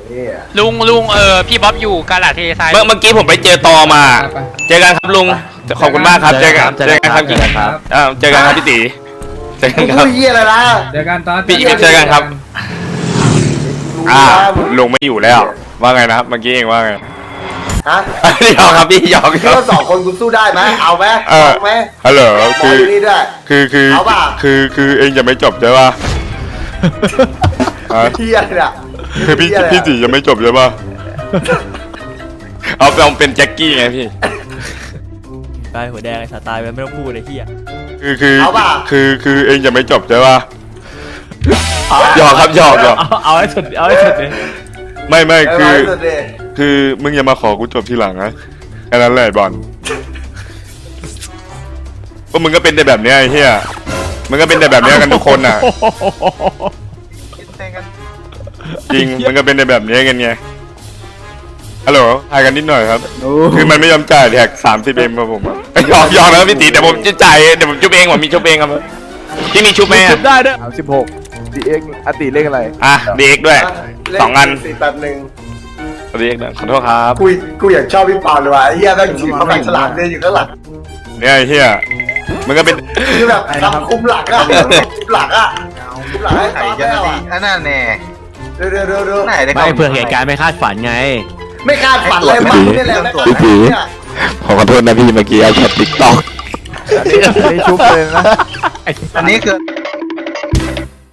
ลุงพี่บ๊อบอยู่กาลาเททรายเมื่อกี้ผมไปเจอตอมาเจอกันครับลุงขอบคุณมากครับเจอกันครับเจอกันครับเจอกันครับพี่ตีเจอกันครับพูดเหี้ยอะไรล่ะเจอกันตอนพี่เจอกันครับลุงไม่อยู่แล้วว่าไงนะครับเมื่อกี้เองว่าไงฮะหยอกครับพี่หยอกคิดว่าสองคนกูสู้ได้ไหมเอาไหมเอาไหมฮัลโหลคือเอาป่ะคือเองจะไม่จบใช่ป่ะเหี้ยเนี่ยคือพี่ตีจะไม่จบใช่ป่ะเอาเป็นแจ็คกี้ไงพี่ตายหัวแดงไอ้สาตายไปไม่ต้องพูดเลยเฮียคือเองจะไม่จบใช่ป่ะหยอกครับหยอกเอาให้สุดเลยไม่คือมึงอย่ามาขอกูจบทีหลังนะแค่นั้นแหละบอลพวกมึงก็เป็นแต่แบบเนี้ยไอ้เหี้ยมึงก็เป็นแต่แบบเนี้ยกันทุกคนน่ะจริงมันก็เป็นแต่แบบนี้กันไงฮัลโหลทายกันนิดหน่อยครับคือมันไม่ยอมจ่ายแท็ก30Mครับผมยอมแล้วพี่ตีแต่ผมจะจ่ายเดี๋ยวผมชุบเองผมมีชุบเองครับที่มีชุบไหมชุบได้ด้วย 16 DX อติเลขอะไร DX ด้วย2 อัน 481 DX ขอโทษครับกูอยากชอบพี่ปอนเลยว่ะเฮียแม่งถือเขาแม่งฉลาดเนี่ยอยู่ข้างหลังเนี่ยไอ้เฮียมันก็เป็นคือแบบทำคุมหลักอะคุมหลักอะคุมหลักให้ตอนแล้วอะนั่นแน่เร็วไม่เพื่อเหตุการณ์ไม่คาดฝันไงไม่คาดฝันเลยมันนี่แหละพี่ตีขอโทษนะพี่เมื่อกี้เอาช็อตติ๊กต็อกไม่ชุบเลยนะอันนี้คือ